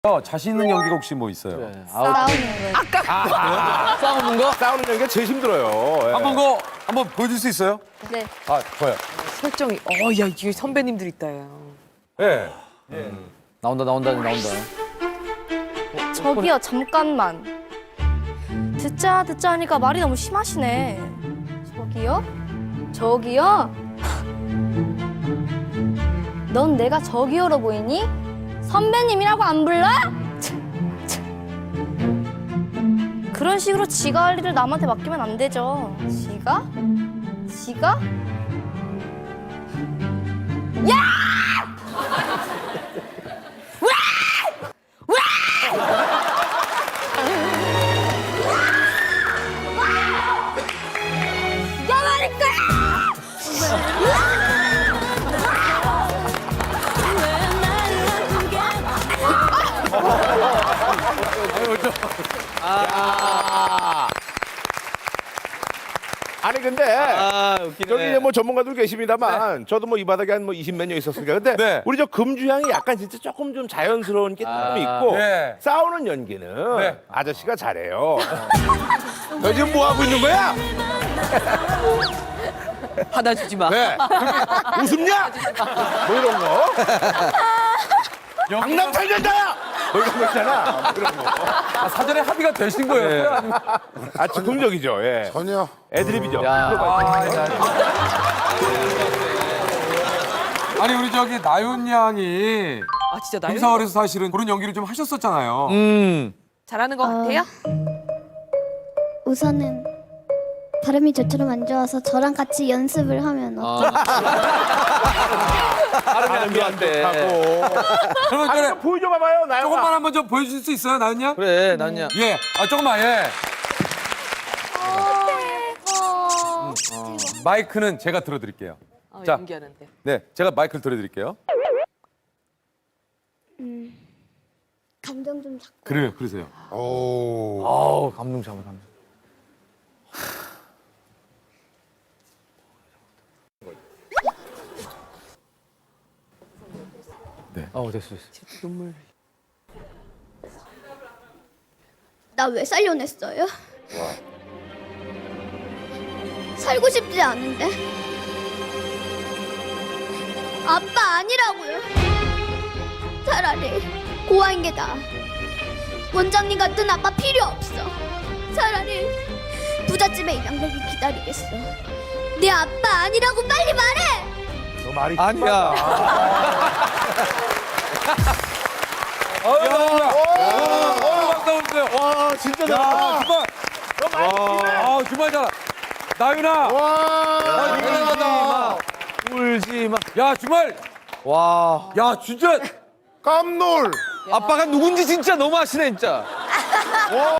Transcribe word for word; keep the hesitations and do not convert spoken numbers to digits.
어, 자신 있는 연기가 혹시 뭐 있어요? 네. 싸우는 거. 아까 싸우는 거? 싸우는 연기가 제일 힘들어요. 예. 한번 그거 한번 보여줄 수 있어요? 네. 아, 좋아요. 설정이 어, 야, 이게 선배님들 있다, 야. 예. 나온다 나온다 나온다. 저기요, 잠깐만. 듣자 듣자 하니까 말이 너무 심하시네. 저기요? 저기요? 넌 내가 저기요로 보이니? 선배님이라고 안 불러? 참, 참. 그런 식으로 지가 할 일을 남한테 맡기면 안 되죠. 지가? 지가? 야 말일 거야! 아니 근데 아 웃기네. 저기 이제 뭐 전문가들 계십니다만 저도 뭐 이 바닥에 한 뭐 이십 몇 년 있었으니까 근데 네. 우리 저 금주향이 약간 진짜 조금 좀 자연스러운 게 조금 아, 있고 네. 싸우는 연기는 네. 아저씨가 잘해요. 너 지금 뭐 하고 있는 거야? 받아주지 마. 네. 웃음냐? 뭐 이런 거. 강남 살전자야! 뭐 이런 거 있잖아. 뭐 이런 거. 아, 사전에 합의가 되신 거예요? 아니면- 아 즉흥적이죠. 예. 전혀. 애드립이죠. 야. 아, 자, 아니 우리 저기 나윤 양이 아, 진짜 나이 김사월에서 사실은 그런 연기를 좀 하셨었잖아요. 음. 잘하는 것 같아요? 우선은 발음이 저처럼 안 좋아서 저랑 같이 연습을 하면 어. 아. 발음이 안 좋았대. 하고. 그러면 아니, 그래, 좀 보여줘 봐봐요. 나영아. 조금만 한번 좀 보여줄 수 있어요, 나윤 양? 그래 난야. 예, 아 조금만 예. 어... 마이크는 제가 들어드릴게요. 아, 자. 연기하는데. 네, 제가 마이크를 들어드릴게요. 감정 좀 잡고 그래요, 그러세요. 오. 아우 감동 잡아 감동. 네. 어 됐어 됐어. 눈물. 나 왜 살려냈어요? 살고 싶지 않은데 아빠 아니라고요. 차라리 고아인 게 나아. 원장님 같은 아빠 필요 없어. 차라리 부잣집에 입양되길 기다리겠어. 내 아빠 아니라고 빨리 말해. 너 말이 아니야. 어, 나윤 양. 어, 반가웠어요. 와 진짜 야, 잘한다. 정말. 너 말이 심해. 아, 정말 잘. 나윤아. 아, 대단하다. 울지 마. 야, 정말. 와. 야, 진짜. 깜놀. 아빠가 누군지 진짜 너무 아시네 진짜.